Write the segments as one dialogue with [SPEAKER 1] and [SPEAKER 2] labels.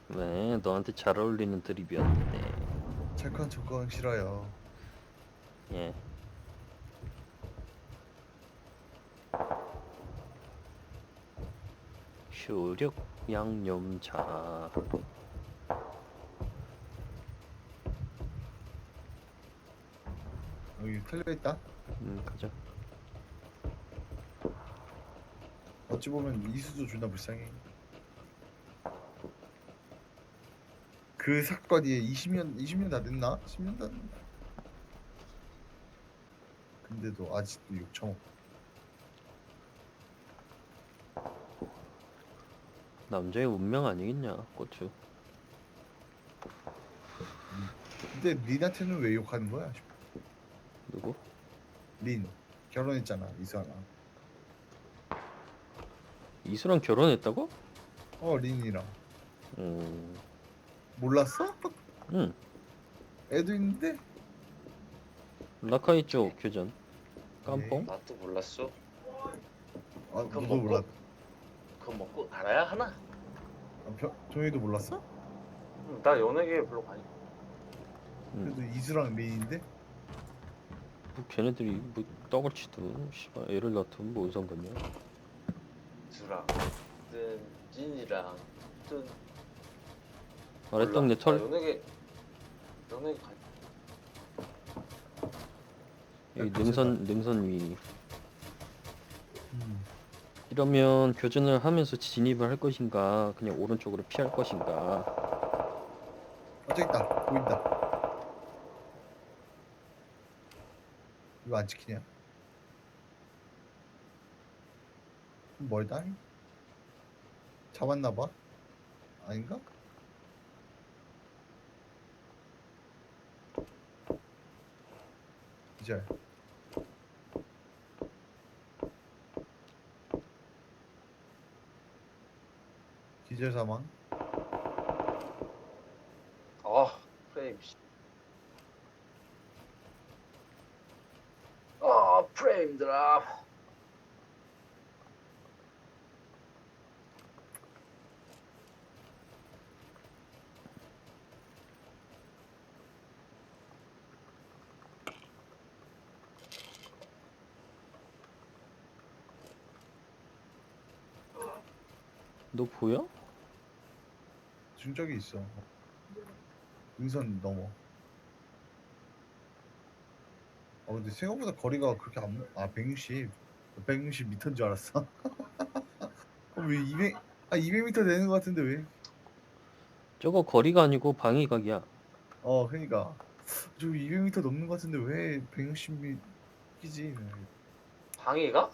[SPEAKER 1] 네, 너한테 잘 어울리는 드립이었는데.
[SPEAKER 2] 착한 척은 싫어요.
[SPEAKER 1] 예. 효력 양념차.
[SPEAKER 2] 여기 털려있다.
[SPEAKER 1] 가자.
[SPEAKER 2] 어찌 보면 이수도 존나 불쌍해. 그 사건이 20년 다 됐나? 10년 다 됐나? 근데도 아직도 욕처먹.
[SPEAKER 1] 남자의 운명 아니겠냐, 고추.
[SPEAKER 2] 근데 린한테는 왜 욕하는 거야?
[SPEAKER 1] 누구?
[SPEAKER 2] 린 결혼했잖아 이수아랑.
[SPEAKER 1] 이수랑 결혼했다고?
[SPEAKER 2] 린이랑.
[SPEAKER 1] 음,
[SPEAKER 2] 몰랐어?
[SPEAKER 1] 응.
[SPEAKER 2] 애도 있는데?
[SPEAKER 1] 라카이 쪽 교전. 깜뽕?
[SPEAKER 2] 에이?
[SPEAKER 3] 나도 몰랐어.
[SPEAKER 2] 너도
[SPEAKER 3] 먹고?
[SPEAKER 2] 몰랐.
[SPEAKER 3] 그거 먹고 알아야 하나?
[SPEAKER 2] 종이도 몰랐어?
[SPEAKER 3] 나 연예계 별로 관심.
[SPEAKER 2] 그래도 이수랑 린인데?
[SPEAKER 1] 뭐 걔네들이 뭐 떡을 치든 씨발 애를 낳든 뭔 상관이야.
[SPEAKER 3] 주랑, 든 진이랑, 든
[SPEAKER 1] 아래떡 내
[SPEAKER 3] 나
[SPEAKER 1] 털.
[SPEAKER 3] 연예계 관.
[SPEAKER 1] 여기
[SPEAKER 2] 괜찮다.
[SPEAKER 1] 능선 위.
[SPEAKER 2] 음.
[SPEAKER 1] 이러면 교전을 하면서 진입을 할 것인가, 그냥 오른쪽으로 피할 것인가.
[SPEAKER 2] 저기 있다. 보인다. 이거 안 지키냐? 멀다. 잡았나 봐. 아닌가? 기절. 기절 사망.
[SPEAKER 3] 프레임. 프레임 드랍.
[SPEAKER 1] 너 보여?
[SPEAKER 2] 중적이 있어. 능선 넘어. 근데 생각보다 거리가 그렇게 안, 160. 160m인 줄 알았어. 왜 200m 되는 것 같은데 왜?
[SPEAKER 1] 저거 거리가 아니고 방위각이야.
[SPEAKER 2] 그러니까. 저 200m 넘는 것 같은데 왜 160m 끼지?
[SPEAKER 3] 방해가?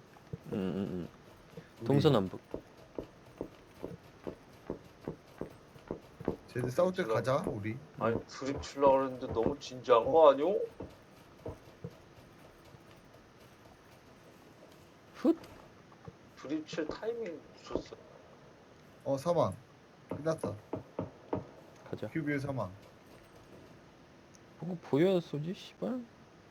[SPEAKER 1] 동서남북.
[SPEAKER 2] 쟤들 싸울 때
[SPEAKER 3] 제가-
[SPEAKER 2] 가자 우리.
[SPEAKER 3] 아니 드립 치려고 그랬는데 너무 진지한 거 아니오?
[SPEAKER 1] 훗.
[SPEAKER 3] 드립 칠 타이밍 줬어.
[SPEAKER 2] 사망. 끝났다.
[SPEAKER 1] 가자.
[SPEAKER 2] 큐비의 사망.
[SPEAKER 1] 보고 보여야 쏘지 씨발.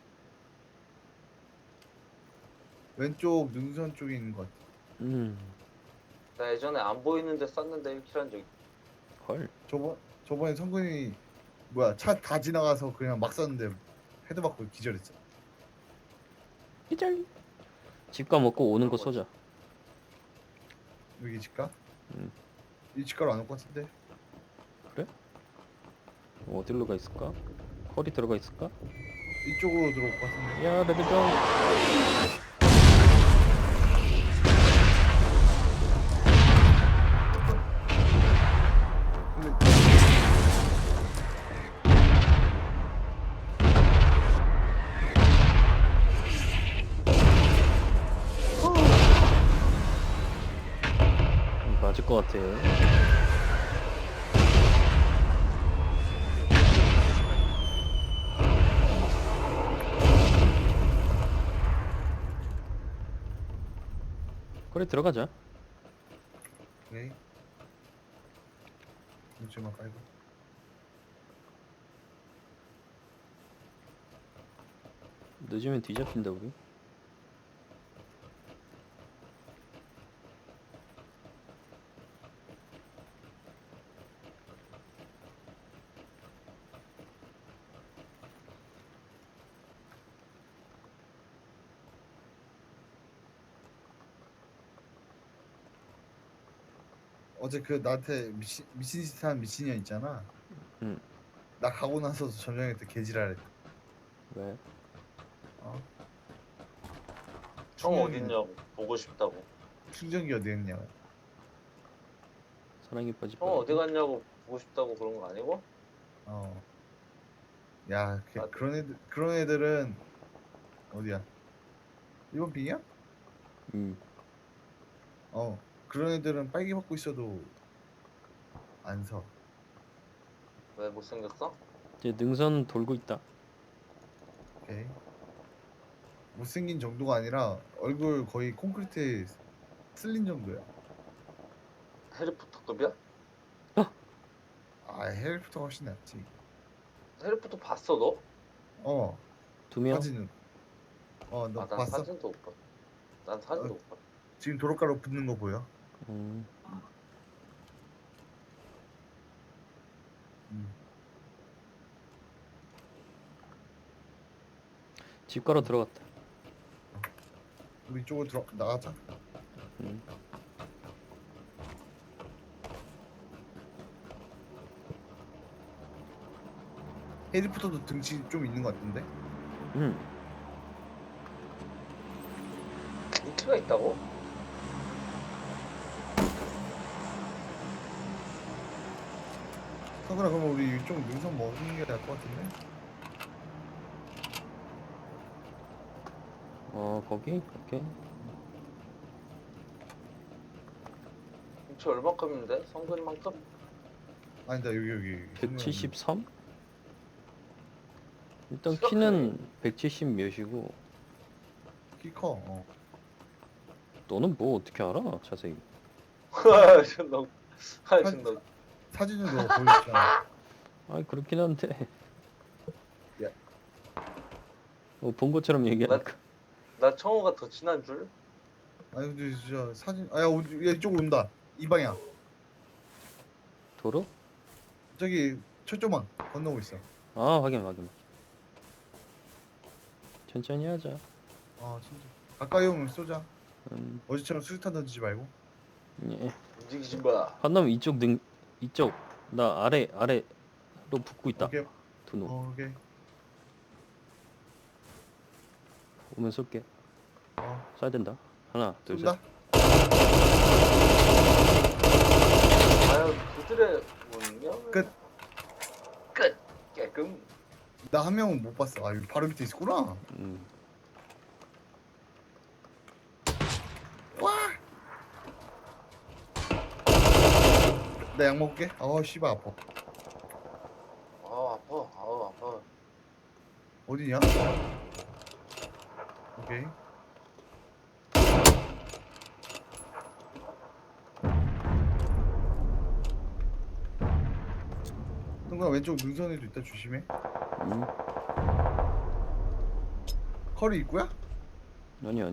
[SPEAKER 2] 왼쪽 능선 쪽에 있는 것 같아.
[SPEAKER 3] 나 예전에 안 보이는데 쐈는데 1킬 한 적.
[SPEAKER 1] 헐.
[SPEAKER 2] 저번에 성근이 뭐야 차 다 지나가서 그냥 막 쐈는데 헤드 맞고 기절했어.
[SPEAKER 1] 기절. 집가 먹고 오는 거 쏘자.
[SPEAKER 2] 여기 집가?
[SPEAKER 1] 음.
[SPEAKER 2] 이 집가로 안 올 것 같은데.
[SPEAKER 1] 그래? 어디로 가 있을까? 컬이 들어가 있을까?
[SPEAKER 2] 이쪽으로 들어올 것 같은데.
[SPEAKER 1] 야 레드정.
[SPEAKER 2] 근데
[SPEAKER 1] 맞을 것 같아. 컬이 들어가자.
[SPEAKER 2] 네. 잠시만 깔고.
[SPEAKER 1] 늦으면 뒤잡힌다 우리.
[SPEAKER 2] 어제 그 나한테 미친 짓 한 미친년 있잖아.
[SPEAKER 1] 응.
[SPEAKER 2] 나 가고 나서도 점령할 때 개지랄했다.
[SPEAKER 1] 왜?
[SPEAKER 2] 어?
[SPEAKER 3] 형
[SPEAKER 2] 충전기
[SPEAKER 3] 어딨냐고 보고 싶다고.
[SPEAKER 2] 충전기 어디 있냐고.
[SPEAKER 1] 사랑에 빠질
[SPEAKER 3] 형 어디
[SPEAKER 1] 뻔했네.
[SPEAKER 3] 갔냐고 보고 싶다고 그런 거 아니고?
[SPEAKER 2] 어. 야,
[SPEAKER 3] 아,
[SPEAKER 2] 그런 애들은 어디야? 일본 빙이야?
[SPEAKER 1] 음.
[SPEAKER 2] 그런 애들은 빨개 벗고 있어도 안 서.
[SPEAKER 3] 왜 못생겼어?
[SPEAKER 1] 이제 능선 돌고 있다.
[SPEAKER 2] 오케이. 못생긴 정도가 아니라 얼굴 거의 콘크리트에 쓸린 정도야.
[SPEAKER 3] 해리포터급이야?
[SPEAKER 2] 아, 해리포터가 훨씬 낫지.
[SPEAKER 3] 해리포터 봤어 너?
[SPEAKER 2] 어,
[SPEAKER 1] 두 명.
[SPEAKER 2] 사진은. 너
[SPEAKER 3] 아, 난
[SPEAKER 2] 봤어?
[SPEAKER 3] 사진도 못 봤. 난
[SPEAKER 2] 어,
[SPEAKER 3] 사진도 못 봤.
[SPEAKER 2] 지금 도로가로 붙는 거 보여?
[SPEAKER 1] 음.
[SPEAKER 2] 음.
[SPEAKER 1] 집 가로 들어갔다.
[SPEAKER 2] 우리 이쪽으로 나가자.
[SPEAKER 1] 음.
[SPEAKER 2] 해리포터도 등치 좀 있는 것 같은데?
[SPEAKER 1] 음.
[SPEAKER 3] 인기가 있다고?
[SPEAKER 2] 성근아, 그럼 우리 이쪽 능선 먹는 게 나을 것 같은데?
[SPEAKER 1] 거기? 오케이.
[SPEAKER 3] 인기 얼마큼인데? 성근만큼?
[SPEAKER 2] 아니다, 여기. 성근아,
[SPEAKER 1] 173? 일단
[SPEAKER 3] 키가
[SPEAKER 1] 키는 170 몇이고
[SPEAKER 2] 키 커.
[SPEAKER 1] 너는 뭐 어떻게 알아? 자세히.
[SPEAKER 3] 존나. 아,
[SPEAKER 2] 사-
[SPEAKER 3] 존나.
[SPEAKER 2] 사진으로 보여줬잖아.
[SPEAKER 1] 아이 그렇긴 한데.
[SPEAKER 2] 야.
[SPEAKER 1] 본 것처럼 얘기하니까.
[SPEAKER 3] 나 청호가 더 친한 줄?
[SPEAKER 2] 아니 근데 진짜 사진. 야, 이쪽으로 온다. 이 방향.
[SPEAKER 1] 도로?
[SPEAKER 2] 저기 철조망 건너고 있어.
[SPEAKER 1] 확인. 천천히 하자.
[SPEAKER 2] 진짜. 가까이 오면 쏘자.
[SPEAKER 1] 음.
[SPEAKER 2] 어제처럼 수류탄 던지지 말고.
[SPEAKER 1] 예.
[SPEAKER 3] 움직이지 마.
[SPEAKER 1] 한남 이쪽 나 아래로 붙고 있다.
[SPEAKER 2] 오케이.
[SPEAKER 1] 두 놈.
[SPEAKER 2] 오케이.
[SPEAKER 1] 오면 쏠게. 쏴야 된다. 하나, 둘, 셋.
[SPEAKER 2] 쏜다.
[SPEAKER 3] 과연 그들의 운명?
[SPEAKER 2] 끝.
[SPEAKER 3] 끝. 깨끔.
[SPEAKER 2] 나 한 명은 못 봤어. 여기 바로 밑에 있었구나.
[SPEAKER 1] 음.
[SPEAKER 2] 와. 나 약 먹을게. 씨발 아파.
[SPEAKER 3] 아, 아파. 아, 아파.
[SPEAKER 2] 어디냐? 오케이. 동가 왼쪽 능선에도 있다. 조심해.
[SPEAKER 1] 음.
[SPEAKER 2] 커리 입구야?
[SPEAKER 1] 아니.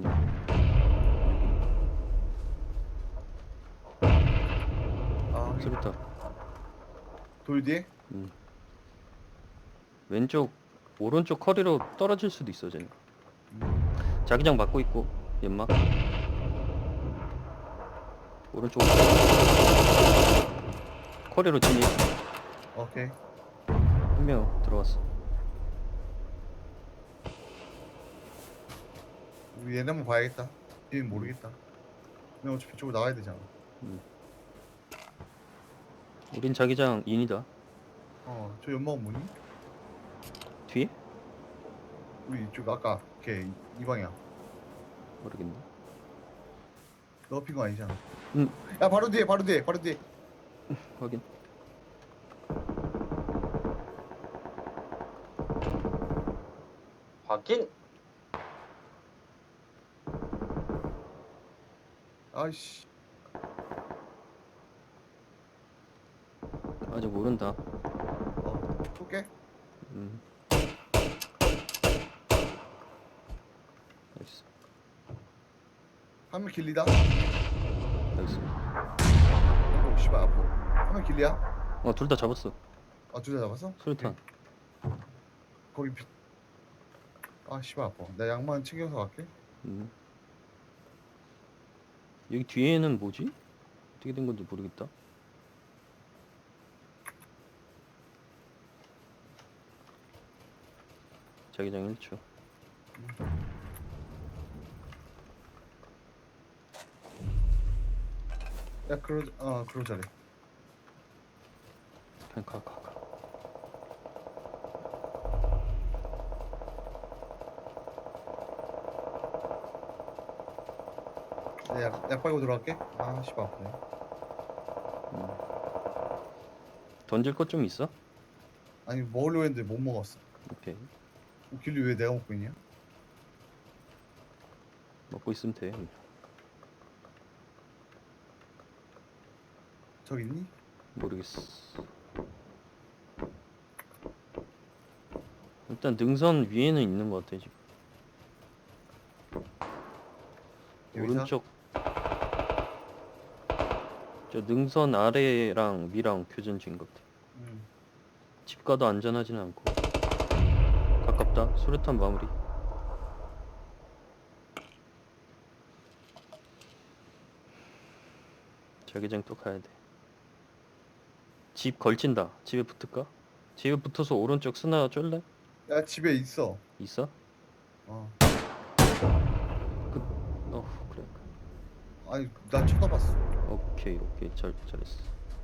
[SPEAKER 1] 수류탄.
[SPEAKER 2] 돌 뒤에?
[SPEAKER 1] 음. 왼쪽 오른쪽 커리로 떨어질 수도 있어 쟤는. 자기장 맞고 있고 연막. 오른쪽 커리로 진입.
[SPEAKER 2] 오케이.
[SPEAKER 1] 한 명 들어왔어.
[SPEAKER 2] 우리 얘네 한번 봐야겠다. 얘는 모르겠다. 근데 어차피 저쪽으로 나와야 되잖아.
[SPEAKER 1] 우린 자기장 인이다.
[SPEAKER 2] 저 연막은 뭐니?
[SPEAKER 1] 뒤에?
[SPEAKER 2] 우리 이쪽 아까 이 방향.
[SPEAKER 1] 모르겠네.
[SPEAKER 2] 너 핀 거 아니잖아.
[SPEAKER 1] 음.
[SPEAKER 2] 야, 바로 뒤에.
[SPEAKER 1] 확인.
[SPEAKER 3] 확인.
[SPEAKER 2] 아이씨.
[SPEAKER 1] 아직 모른다.
[SPEAKER 2] 쏠게.
[SPEAKER 1] 나이스.
[SPEAKER 2] 한 명 길리다.
[SPEAKER 1] 나이스.
[SPEAKER 2] 씨발 아파. 한 명 길리야?
[SPEAKER 1] 둘 다 잡았어.
[SPEAKER 2] 둘 다 잡았어?
[SPEAKER 1] 수류탄.
[SPEAKER 2] 거기 씨발 아파. 나 양만 챙겨서 갈게.
[SPEAKER 1] 여기 뒤에는 뭐지? 어떻게 된 건지 모르겠다. 자기장 1초.
[SPEAKER 2] 야 그러자래.
[SPEAKER 1] 그냥 가.
[SPEAKER 2] 약 빨고 들어갈게. 아 씨발 아프네.
[SPEAKER 1] 던질 것 좀 있어?
[SPEAKER 2] 아니 먹으려고 했는데 못 먹었어.
[SPEAKER 1] 오케이.
[SPEAKER 2] 길리 왜 내가 먹고 있냐?
[SPEAKER 1] 먹고 있으면 돼.
[SPEAKER 2] 저기 있니?
[SPEAKER 1] 모르겠어. 일단 능선 위에는 있는 것 같아 지금.
[SPEAKER 2] 여기서?
[SPEAKER 1] 오른쪽 저 능선 아래랑 위랑 교전 중인 것 같아. 집 가도 안전하진 않고 가깝다. 수류탄 마무리. 자기장 또 가야 돼. 집 걸친다. 집에 붙을까? 집에 붙어서 오른쪽 스나 쫄래?
[SPEAKER 2] 야 집에 있어.
[SPEAKER 1] 있어?
[SPEAKER 2] 어.
[SPEAKER 1] 그래.
[SPEAKER 2] 아니 나 쳐다봤어.
[SPEAKER 1] 오케이 잘했어.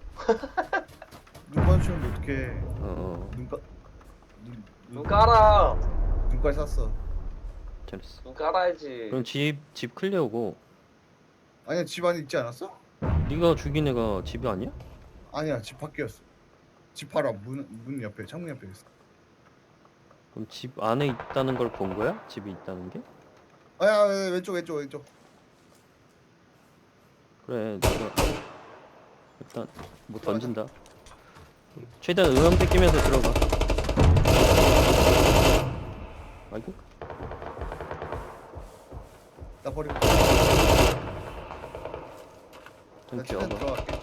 [SPEAKER 2] 눈 마주치면 어떡해. 눈가
[SPEAKER 3] 눈 깔아.
[SPEAKER 2] 눈깔 샀어.
[SPEAKER 1] 잘했어.
[SPEAKER 3] 눈 깔아야지.
[SPEAKER 1] 그럼 집 클리어고.
[SPEAKER 2] 아니야 집 안에 있지 않았어?
[SPEAKER 1] 네가 죽인 애가 집이 아니야?
[SPEAKER 2] 아니야 집 밖이었어. 집 바로 문 옆에 창문 옆에 있어.
[SPEAKER 1] 그럼 집 안에 있다는 걸 본 거야? 집이 있다는 게?
[SPEAKER 2] 아야 왼쪽.
[SPEAKER 1] 그래 내가 일단 뭐 던진다. 최대한 음향 뺏기면서 들어가. 아이고
[SPEAKER 2] 나 버리고.
[SPEAKER 1] 좀
[SPEAKER 2] 나 최대한
[SPEAKER 1] 기어봐.
[SPEAKER 2] 들어갈게.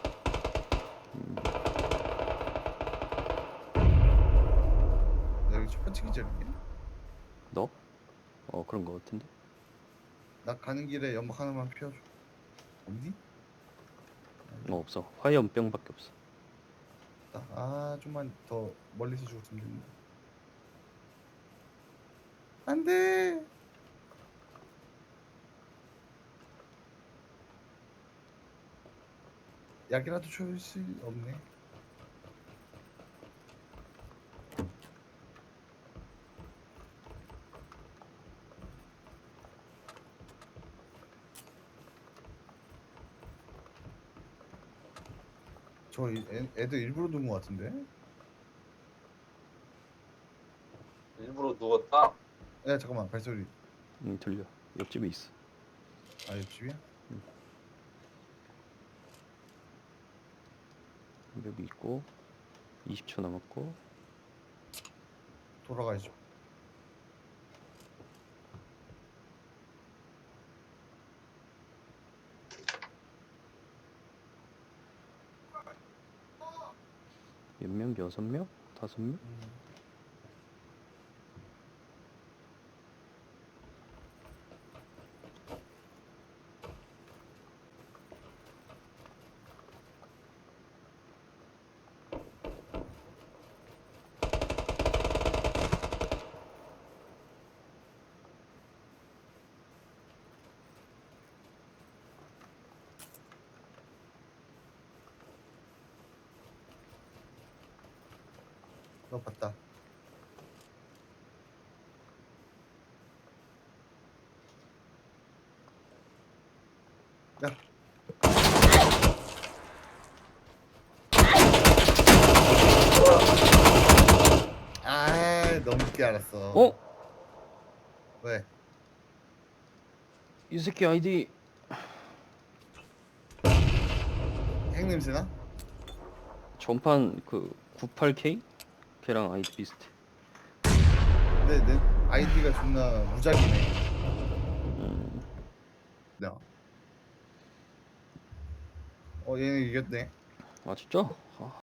[SPEAKER 2] 나 여기 첫 번째 기절이야.
[SPEAKER 1] 너? 그런 거 같은데.
[SPEAKER 2] 나 가는 길에 연막 하나만 피워줘. 없니?
[SPEAKER 1] 없어. 화염병밖에 없어.
[SPEAKER 2] 아 좀만 더 멀리서 죽었으면 좋겠네. 안돼. 약이라도 줄 수 없네. 애들 일부러 누운 것 같은데?
[SPEAKER 3] 일부러 누웠다.
[SPEAKER 2] 야 잠깐만 발소리.
[SPEAKER 1] 들려. 옆집에 있어.
[SPEAKER 2] 아 옆집이야?
[SPEAKER 1] 여기 있고 20초 남았고.
[SPEAKER 2] 돌아가야죠.
[SPEAKER 1] 몇 명? 6명? 5명?
[SPEAKER 2] 너 봤다. 야. 아 너무 늦게 알았어. 왜?
[SPEAKER 1] 이 새끼 아이디
[SPEAKER 2] 핵 냄새나?
[SPEAKER 1] 전판 그 98K? 걔랑 아이디 비슷해.
[SPEAKER 2] 근데 내 아이디가 존나 무작이네. 야. 얘네 이겼네.
[SPEAKER 1] 아 진짜? 아,